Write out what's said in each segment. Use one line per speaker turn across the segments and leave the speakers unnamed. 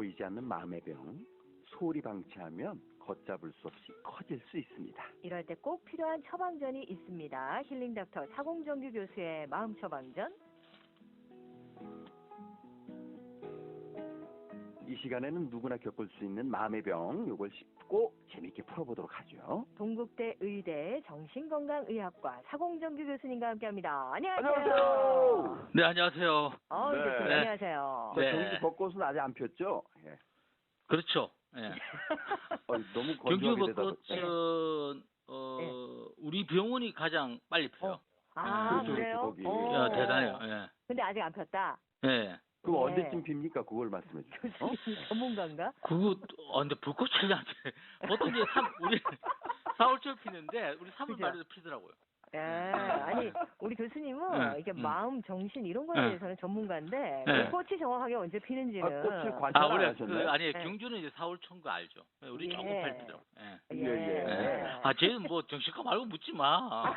보이지 않는 마음의 병, 소홀히 방치하면 걷잡을 수 없이 커질 수 있습니다.
이럴 때 꼭 필요한 처방전이 있습니다. 힐링 닥터 사공정규 교수의 마음 처방전.
이 시간에는 누구나 겪을 수 있는 마음의 병, 이걸 쉽고 재미있게 풀어보도록 하죠.
동국대 의대 정신건강의학과 사공정규 교수님과 함께합니다. 안녕하세요.
안녕하세요.
네, 안녕하세요.
네. 교수님
네.
안녕하세요.
네.
경기 벚꽃은 아직 안 폈죠? 예.
그렇죠. 예.
너무
경주
건조하게 되다
벚꽃은 우리 병원이 가장 빨리 펴요.
그렇죠,
그래요?
거기.
야, 대단해요. 예.
근데 아직 안 폈다.
예.
그거
네.
언제쯤 핍니까? 그걸 말씀해 주세요.
교수님 전문가인가?
그거 근데 벚꽃이 안 돼. 보통 이제 우리 4월 초 피는데 우리 3월
그죠?
말에도 피더라고요.
예, 아니 우리 교수님은 이게 마음, 정신 이런 거에 대해서는 전문가인데
네.
그 꽃이 정확하게 언제 피는지는
꽃을 관찰 안
원래
하셨나요?
아니
네.
경주는 이제 4월 초인 거 알죠. 우리 조금
예.
빨리 피더라고. 예.
예.
예. 쟤는 뭐 정신과 말고 묻지 마.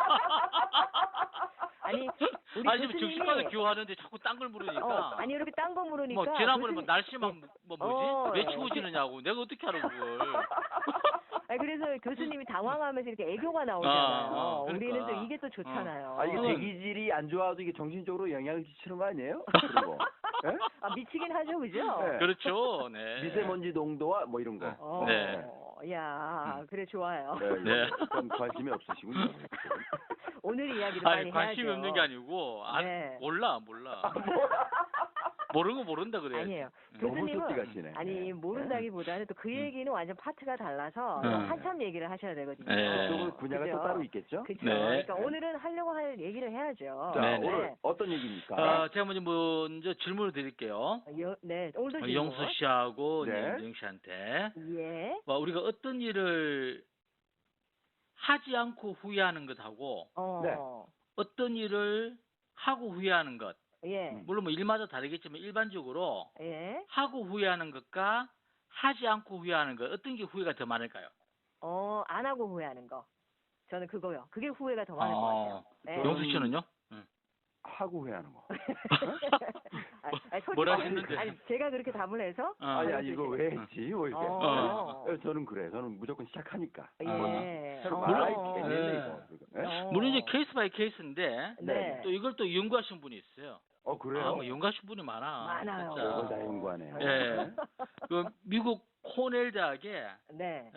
아니 우리
아니 지금
교수님이
정신과도 기호하는데 자꾸 딴 걸 물으니까.
아니 이렇게 딴 거 물으니까
뭐 지난번에 뭐
교수님-
날씨만 뭐 뭐지? 왜 추워지느냐고 내가 어떻게 알아 그걸.
아니 그래서 교수님이 당황하면서 이렇게 애교가 나오잖아요.
그러니까.
우리는 또 이게 또 좋잖아요.
이게 대기질이 안 좋아도 이게 정신적으로 영향을 끼치는 거 아니에요? 그리고 예?
미치긴 하죠, 그죠?
네.
그렇죠. 네.
미세먼지 농도와 뭐 이런 거.
네.
야, 그래 좋아요.
네.
네.
그건 관심이 없으시군요.
오늘 이야기도
아니
많이
관심이
해야죠.
없는 게 아니고
네.
몰라. 모르는 거 모른다 그래.
아니에요.
너무
교수님은
솔직하시네.
아니 모른다기보다는 또 그 얘기는 완전 파트가 달라서 한참 얘기를 하셔야 되거든요.
네.
그쪽은 분야가 또
그죠?
따로 있겠죠?
그렇죠.
네.
그러니까 오늘은 하려고 할 얘기를 해야죠.
자,
네, 네.
오늘 어떤 얘기입니까?
제가 먼저 질문을 드릴게요.
네, 오늘도 질문.
영수 씨하고
네.
윤정 씨한테
예.
우리가 어떤 일을 하지 않고 후회하는 것하고
네.
어떤 일을 하고 후회하는 것.
예.
물론 뭐 일마다 다르겠지만 일반적으로
예.
하고 후회하는 것과 하지 않고 후회하는 것 어떤 게 후회가 더 많을까요?
안 하고 후회하는 거. 저는 그거요. 그게 후회가 더 많을 것 같아요. 네.
영수 씨는요?
하고 후회하는 거.
솔직히
뭐라 했는데?
아니 제가 그렇게 답을 해서
아니 이거 왜 했지? 뭐 이렇게. 저는 그래. 저는 무조건 시작하니까.
예.
새로 말하기 괜찮네 이거. 예?
물론 이제 케이스 바이 케이스인데
네.
또 이걸 또 연구하신 분이 있어요.
그래요?
뭐 연구하신 분이
많아요.
진짜.
이걸 다 연구하네.
예. 그 미국 코넬 대학에
네.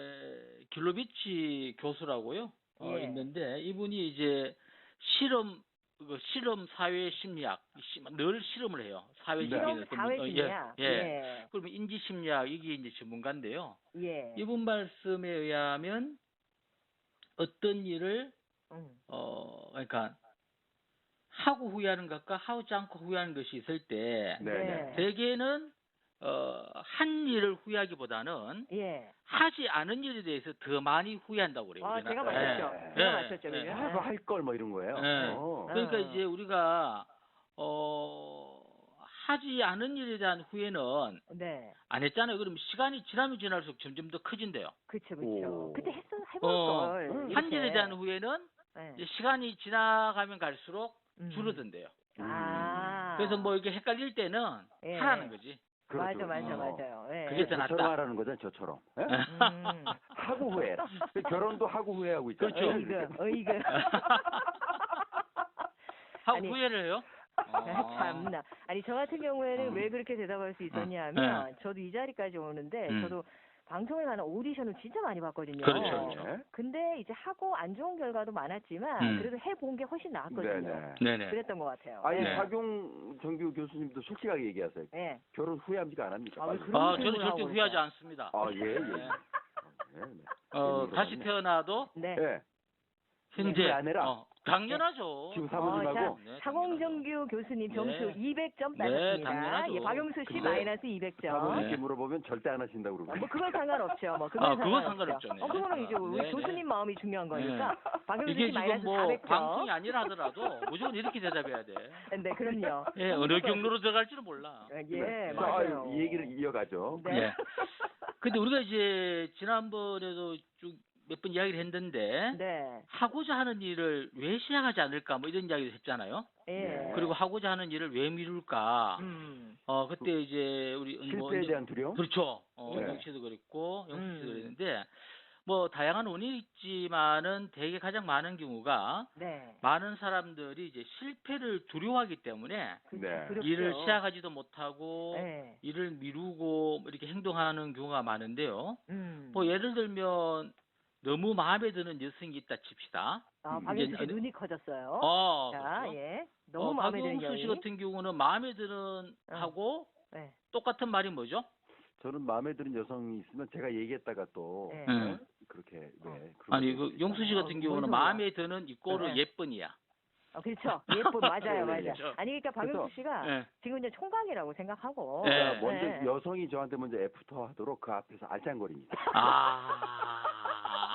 길로비치 교수라고요.
예.
있는데 이분이 이제 실험 사회 심리학 늘 실험을 해요. 사회적인
사회 심리학.
예. 그러면 인지 심리학 이게 이제 전문가인데요.
예.
이분 말씀에 의하면 어떤 일을 그러니까 하고 후회하는 것과 하지 않고 후회하는 것이 있을 때
네.
대개는 한 일을 후회하기보다는
예.
하지 않은 일에 대해서 더 많이 후회한다고 그래요. 우리는.
제가 맞췄죠.
예.
제가
예.
맞췄죠.
예.
그죠?
하고 할 걸 뭐 이런 거예요.
예. 그러니까 이제 우리가 하지 않은 일에 대한 후회는
네.
안 했잖아요. 그럼 시간이 지나면 지날수록 점점 더 커진대요.
그렇죠.
오.
그때 해볼 걸.
한 일에
이렇게.
대한 후회는
네.
이제 시간이 지나가면 갈수록 줄어든대요. 그래서 뭐 이렇게 헷갈릴 때는
예.
하라는 거지.
그렇죠.
맞아요. 예.
그게 더
저처럼
낫다.
하라는 거죠, 저처럼. 예?
음.
하고 후회라. 결혼도 하고 후회하고 있잖아요.
그렇죠.
어이구.
하고
아니,
후회를 해요?
참나. 아니 저 같은 경우에는 왜 그렇게 대답할 수 있었냐면 저도 이 자리까지 오는데 저도 방송에 가는 오디션을 진짜 많이 봤거든요.
그렇죠.
네.
근데 이제 하고 안 좋은 결과도 많았지만 그래도 해본 게 훨씬 나았거든요.
네네.
그랬던 것 같아요.
아니
네.
박용 정규 교수님도 솔직하게 얘기하세요.
네.
결혼 후회합니까 안 합니까?
왜
빨리.
그런
저는
질문을
절대
하고
후회하지
있어요?
않습니다.
예.
네.
네.
다시 태어나도
네.
예.
현재
후회 안 해라.
당연하죠.
지금 사모님하고
자, 사공정규 교수님 점수
네.
200점
네,
따셨습니다.
당연하죠.
예, 박영수 씨
근데
마이너스 200점.
사모님께 물어보면 절대 안 하신다고 그러고.
뭐 그건 상관없죠. 뭐 그건
그건
상관없죠.
상관없죠. 네.
그거는 이제 우리
네,
교수님 마음이 중요한 거니까. 박영수
이게
씨
지금
마이너스
뭐
400점.
방송이 아니라 하더라도 무조건 이렇게 대답해야 돼.
네, 그럼요.
예, 어느 경로로 들어갈지는 몰라.
예,
자,
맞아요.
이 얘기를 이어가죠.
네.
예. 근데 우리가 이제 지난번에도 쭉 몇 번 이야기를 했는데
네.
하고자 하는 일을 왜 시작하지 않을까 뭐 이런 이야기도 했잖아요.
예.
그리고 하고자 하는 일을 왜 미룰까? 그때 이제 우리
실패에 대한 두려움?
그렇죠.
네.
은경 씨도 그랬고 영수 씨도 그랬는데 뭐 다양한 원인이 있지만은 대개 가장 많은 경우가
네.
많은 사람들이 이제 실패를 두려워하기 때문에
네.
두렵죠.
일을 시작하지도 못하고
네.
일을 미루고 이렇게 행동하는 경우가 많은데요.
음.
뭐 예를 들면 너무 마음에 드는 여성이 있다 칩시다.
박영수 씨
이제
눈이 커졌어요. 자,
그렇죠.
예. 너무 마음에 드는
박영수 씨
여인.
같은 경우는 마음에 드는 하고
네.
똑같은 말이 뭐죠?
저는 마음에 드는 여성이 있으면 제가 얘기했다가 또
네.
그렇게 그런
아니
것도
그 영수 씨 같은
뭔
경우는
소리야.
마음에 드는 이꼬르
네.
예쁜이야.
그렇죠. 예쁜 맞아요, 맞아요.
그렇죠.
아니 그러니까 박영수 씨가
네.
지금 이제 총각이라고 생각하고.
네.
그러니까 먼저
네.
여성이 저한테 먼저 애프터 하도록 그 앞에서 알짱거립니다.
아.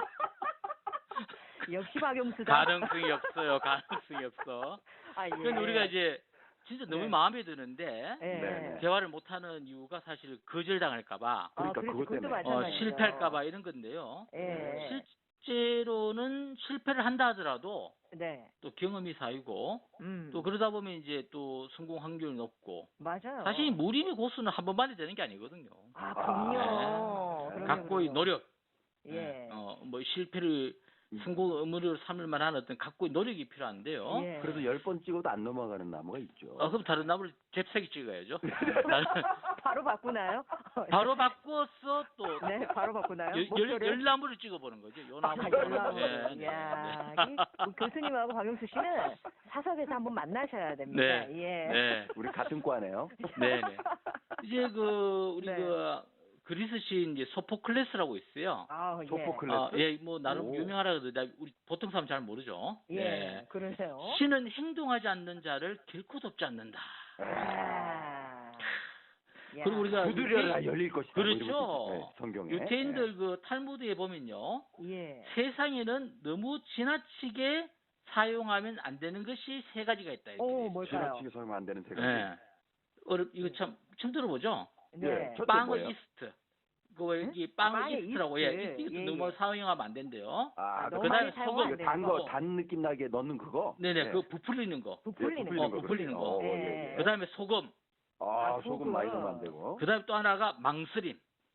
역시 박영수다.
가능성이 없어요. 가능성이 없어.
아, 예.
근데 우리가 이제 진짜 너무
네.
마음에 드는데
예.
네.
대화를 못하는 이유가 사실 거절당할까봐
그러니까
그렇죠.
그것
그것도
때문에.
마찬가지죠.
실패할까봐 이런 건데요.
예.
실제로는 실패를 한다 하더라도
네.
또 경험이 쌓이고
음.
또 그러다 보면 이제 또 성공 확률이 높고
맞아요.
사실 무림의 고수는 한 번만에 되는 게 아니거든요.
아, 그럼요.
네.
그럼요,
각고의
그럼요.
노력,
예.
뭐 실패를 성공 의무로 삼을 만한 어떤 각고의 노력이 필요한데요.
예.
그래도 10번 찍어도 안 넘어가는 나무가 있죠.
그럼 다른 나무를 잽싸게 찍어야죠.
바로 바꾸나요?
바로 바꿔서 또
네, 바로 바꾸나요?
열나무를 찍어보는 거죠. 요 나무.
열나무.
네, 네,
이야,
네.
이 교수님하고 박영수 씨는 사석에서 한번 만나셔야 됩니다.
네.
예.
네.
우리 같은 과네요.
네, 네. 이제 우리
네.
그리스 시인 이제 소포클레스라고 있어요.
아, 예.
소포클레스.
뭐 나름
오.
유명하라 그러는데 우리 보통 사람 잘 모르죠.
예.
네.
그러세요.
신은 행동하지 않는 자를 결코 돕지 않는다.
아. 야.
그리고 우리가
두드려라 열릴 것이다. 뭐 이런
그렇죠.
것도 있어요. 성경에.
유태인들 그 탈무드에 보면요.
예.
세상에는 너무 지나치게 사용하면 안 되는 것이 세 가지가 있다. 이렇게 돼 있어요.
뭘까요?
지나치게 설명 안 되는 세 가지.
네. 이거 참 처음 들어보죠?
네.
첫째
빵의
뭐예요?
이스트. 여기 빵의
빵의
이스트라고
이스트.
이것도
예,
너무
예.
사용하면 안 된대요.
너무
그다음에
많이 사용하면
소금,
안
단
되고.
거, 단 느낌 나게 넣는 그거?
네네,
네.
그 부풀리는 거.
부풀리는
거.
거.
부풀리는 거.
어,
예.
그다음에 소금.
소금
소금.
많이 넣으면 안 되고.
그다음에 또 하나가 망설임.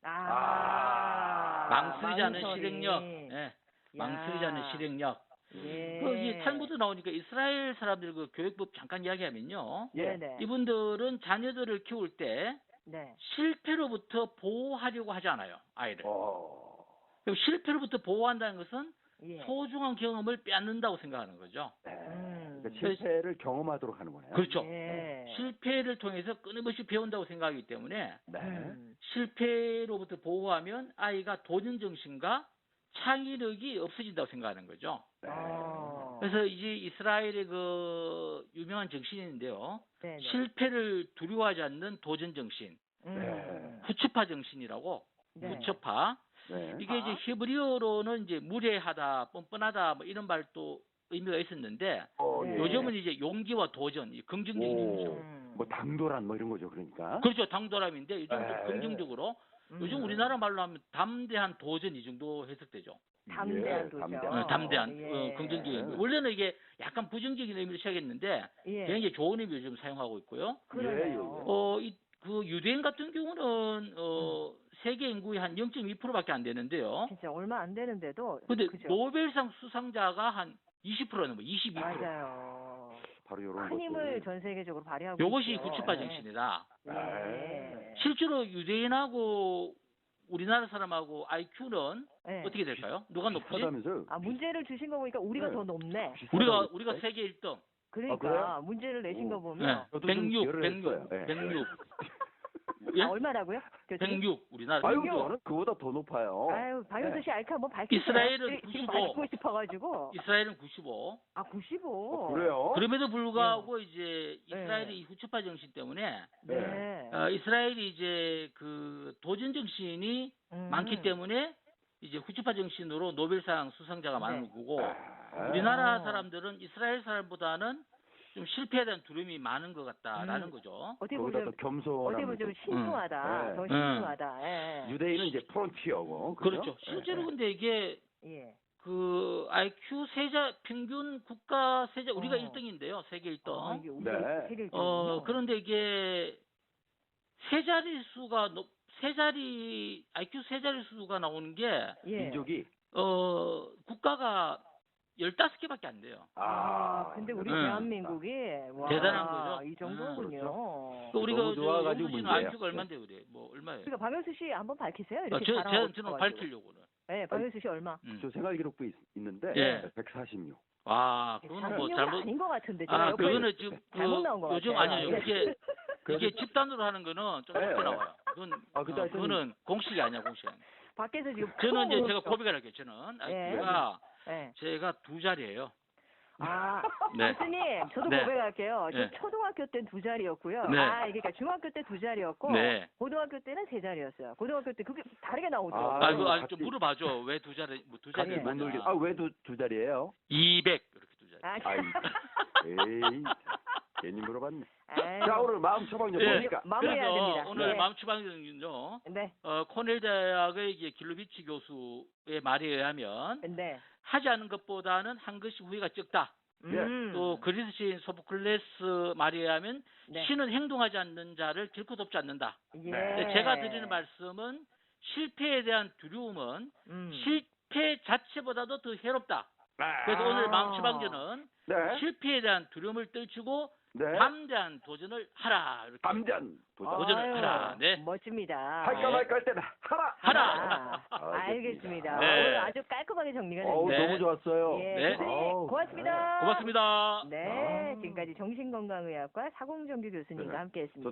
망설이지 않은
망설임.
실행력. 예. 망설이지 않은 실행력.
예.
이 탈무드 나오니까 이스라엘 사람들 그 교육법 잠깐 이야기하면요.
예.
네네.
이분들은 자녀들을 키울 때
네.
실패로부터 보호하려고 하지 않아요. 아이를. 그럼 실패로부터 보호한다는 것은
예.
소중한 경험을 빼앗는다고 생각하는 거죠.
그러니까 실패를 경험하도록 하는 거네요.
그렇죠.
예.
실패를 통해서 끊임없이 배운다고 생각하기 때문에
네.
실패로부터 보호하면 아이가 도전 정신과 창의력이 없어진다고 생각하는 거죠.
네.
그래서 이제 이스라엘의 그 유명한 정신인데요.
네네.
실패를 두려워하지 않는 도전 정신, 후츠파 정신이라고.
네.
후츠파.
네.
이게 이제 히브리어로는 이제 무례하다, 뻔뻔하다 뭐 이런 말도 의미가 있었는데
네.
요즘은 이제 용기와 도전, 이 긍정적인 의미죠.
뭐 당돌한 뭐 이런 거죠, 그러니까.
그렇죠. 당돌함인데 요즘 좀
네.
긍정적으로 요즘 우리나라 말로 하면 담대한 도전 이 정도 해석되죠.
담대한
예,
도전.
담대한
예.
긍정적인 의미. 원래는 이게 약간 부정적인 의미로 시작했는데
예.
굉장히 좋은 의미로 좀 사용하고 있고요.
그러네요.
그 유대인 같은 경우는 세계 인구의 한 0.2%밖에 안 되는데요.
진짜 얼마 안 되는데도.
근데
그죠?
노벨상 수상자가 한 20% 넘어, 22%.
맞아요.
바로 이런
큰 힘을
것들.
전 세계적으로 발휘하고
요것이
있죠.
구치파 정신이다.
예.
실제로 유대인하고 우리나라 사람하고 IQ는
예.
어떻게 될까요? 누가 높지?
비슷하다면서요?
문제를 주신 거 보니까 우리가
네.
더 높네.
우리가 세계 1등.
그러니까
그래요?
문제를 내신 거
네.
보면
저도 좀
106,
열을
106,
했어요. 네.
106. 예?
얼마라고요? 교수님?
106 우리나라.
아유,
106.
저는 그보다 더 높아요.
아유, 박영수
네.
씨 알카 한번 밝히세요.
이스라엘은
지금
95.
밝히고 싶어가지고.
이스라엘은 95.
95.
그래요?
그럼에도 불구하고 이제 이스라엘의
네.
이 후추파 정신 때문에
네.
이스라엘이 이제 그 도전 정신이 많기 때문에 이제 후추파 정신으로 노벨상 수상자가 많은
네.
거고 우리나라 사람들은 이스라엘 사람보다는 좀 실패에 대한 두려움이 많은 것 같다라는 거죠.
어떻게
거기다 또
보면
겸손한
어떻게 보면 좀 신중하다.
네.
더 신중하다. 예.
유대인은 이제 프론티어고
그렇죠. 실제로
예.
근데 이게
예.
그 IQ 세자 평균 국가 세자 우리가
어.
1등인데요. 세계 1등.
이게 우리
네.
세계
그런데 이게 IQ 세 자릿수가 나오는 게
예.
민족이
국가가 15개밖에 안 돼요.
근데 우리
네.
대한민국이 와,
대단한 거죠.
이 정도군요.
그 우리가
너무 좋아가지고
영수 씨는
문제예요.
IQ가 얼마인데 그래? 뭐 얼마예요?
그러니까 박명수 씨 한번 밝히세요. 이렇게
저는 밝히려고는.
네, 박명수 씨 얼마?
저 생활 기록부 있는데
예.
146.
와, 그거는 뭐
46은
잘못.
아닌 것 같은데. 제가 옆에
그거는 지금
잘못 나온 것
요즘
같아요.
아니에요.
예.
이게 집단으로 하는 거는 좀
예,
높게
예.
나와요. 그건
근데 하여튼
그거는 공식이 아니야, 공식.
밖에서 지금
저는 이제
큰
제가
거죠.
고백을 할게요. 저는
예.
IQ가
예.
제가 2자리예요.
네. 교수님, 저도
네.
고백할게요.
네.
저 초등학교 때는 2자리였고요.
네.
그러니까 중학교 때 2자리였고,
네.
고등학교 때는 3자리였어요. 고등학교 때 그게 다르게 나오죠.
그거 좀 물어봐줘. 왜 2자리, 뭐 2자리
예.
못 놀게. 왜 두 자리예요?
200 이렇게 2자리.
에이, 괜히 물어봤네.
아유.
자, 오늘 마음 처방전
예.
뭡니까?
마무리해야
그래서
됩니다.
오늘
네.
마음 추방전은요.
네.
코넬 대학의 이제 길루비치 교수의 말에 의하면
네.
하지 않은 것보다는 한 것이 후회가 적다. 또 그리스 시인 소포클레스 말에 의하면
네.
신은 행동하지 않는 자를 결코 돕지 않는다.
예.
근데 제가 드리는 말씀은 실패에 대한 두려움은
음.
실패 자체보다도 더 해롭다. 그래서 오늘 마음 추방전은
네.
실패에 대한 두려움을 떨치고
네.
담대한 도전을 하라. 이렇게.
담전
도전을
아유,
하라. 네.
멋집니다.
할까 말까 할 때는 하라.
하라.
알겠습니다.
네.
오늘 아주 깔끔하게 정리가 됩니다.
네.
너무 좋았어요.
예,
네.
교수님
어우,
고맙습니다.
고맙습니다.
네, 지금까지 정신건강의학과 사공정규 교수님과
네.
함께했습니다.